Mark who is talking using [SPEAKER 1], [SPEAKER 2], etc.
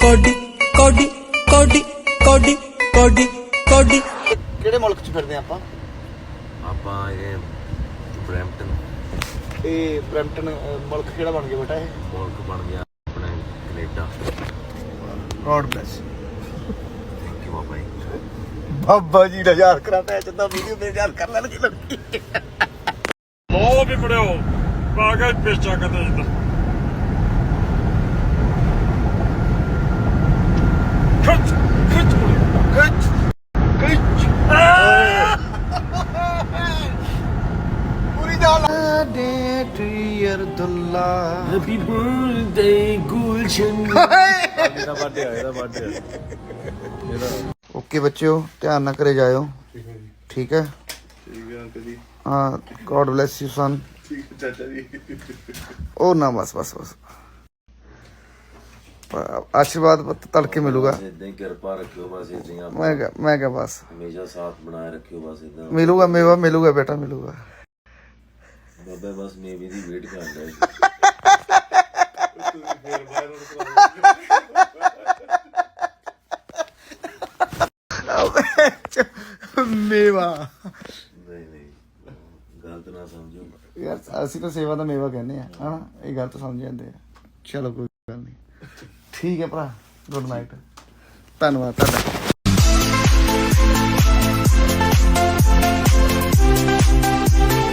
[SPEAKER 1] Cody ਕੋਡੀ ਕੋਡੀ ਕੋਡੀ ਕੋਡੀ ਕੋਡੀ।
[SPEAKER 2] ਕਿਹੜੇ ਮੁਲਕ ਚ ਫਿਰਦੇ ਆਪਾਂ?
[SPEAKER 3] ਆਪਾਂ ਇਹ ਬਰੈਂਪਟਨ।
[SPEAKER 2] ਇਹ ਬਰੈਂਪਟਨ ਮੁਲਕ ਕਿਹੜਾ ਬਣ ਗਿਆ ਬੇਟਾ? ਇਹ
[SPEAKER 3] ਮੁਲਕ ਬਣ ਗਿਆ ਆਪਣੇ Canada.
[SPEAKER 2] God bless.
[SPEAKER 3] Thank you ਬਾਬਾ ਜੀ।
[SPEAKER 2] ਬਾਬਾ ਜੀ ਦਾ ਯਾਰ ਕਰਾ ਪੈ ਚੰਦਾ ਵੀਡੀਓ ਤੇ ਯਾਰ ਕਰ ਲੈਣਗੇ ਲੜਕੀ।
[SPEAKER 4] ਬਹੁਤ ਵੀ ਬੜਿਓ ਬਾਗਾ ਪੇਚਾ ਕਦੇ ਜਿੱਦਾਂ ਖਿੱਚ ਖਿੱਚ
[SPEAKER 2] ਖਿੱਚ ਖਿੱਚ ਪੂਰੀ ਜਾਨ ਡੇ ਟੀਅਰ ਦੁੱਲਾ।
[SPEAKER 3] Happy birthday Gulshan.
[SPEAKER 2] ਇਹਦਾ ਬਰਥਡੇ ਓਕੇ ਬੱਚਿਓ, ਧਿਆਨ ਨਾਲ ਘਰੇ ਜਾਇਓ। ਠੀਕ ਹੈ ਹਾਂ। God bless you son. ਉਹ ਨਾ ਬਸ ਬਸ ਬਸ ਆਸ਼ੀਰਵਾਦ ਤੜਕੇ ਮਿਲੂਗਾ।
[SPEAKER 3] ਇਦਾਂ ਹੀ ਕਿਰਪਾ ਰੱਖਿਓ ਬਸ ਇਦਾਂ।
[SPEAKER 2] ਮੈਂ ਕਿਹਾ ਬਸ
[SPEAKER 3] ਹਮੇਸ਼ਾ ਸਾਥ ਬਣਾਏ ਰੱਖਿਓ ਬਸ ਇਦਾਂ।
[SPEAKER 2] ਮਿਲੂਗਾ ਮੇਵਾ ਮਿਲੂਗਾ ਬੇਟਾ ਮਿਲੂਗਾ।
[SPEAKER 3] ਬਾਬਾ ਬਸ ਮੇਵੀ ਦੀ ਵੇਟ ਕਰ ਰਿਹਾ ਜੀ।
[SPEAKER 2] ਮੇਵਾ
[SPEAKER 3] ਨਹੀਂ ਨਹੀਂ ਗਲਤ ਨਾ ਸਮਝੋ
[SPEAKER 2] ਯਾਰ, ਅਸੀਂ ਤਾਂ ਸੇਵਾ ਦਾ ਮੇਵਾ ਕਹਿੰਦੇ ਆ ਹਨਾ, ਇਹ ਗਲਤ ਸਮਝ ਜਾਂਦੇ ਆ। ਚਲੋ ਕੋਈ ਗੱਲ ਨਹੀਂ, ਠੀਕ ਹੈ ਭਰਾ। ਗੁੱਡ ਨਾਈਟ, ਧੰਨਵਾਦ ਤੁਹਾਡਾ।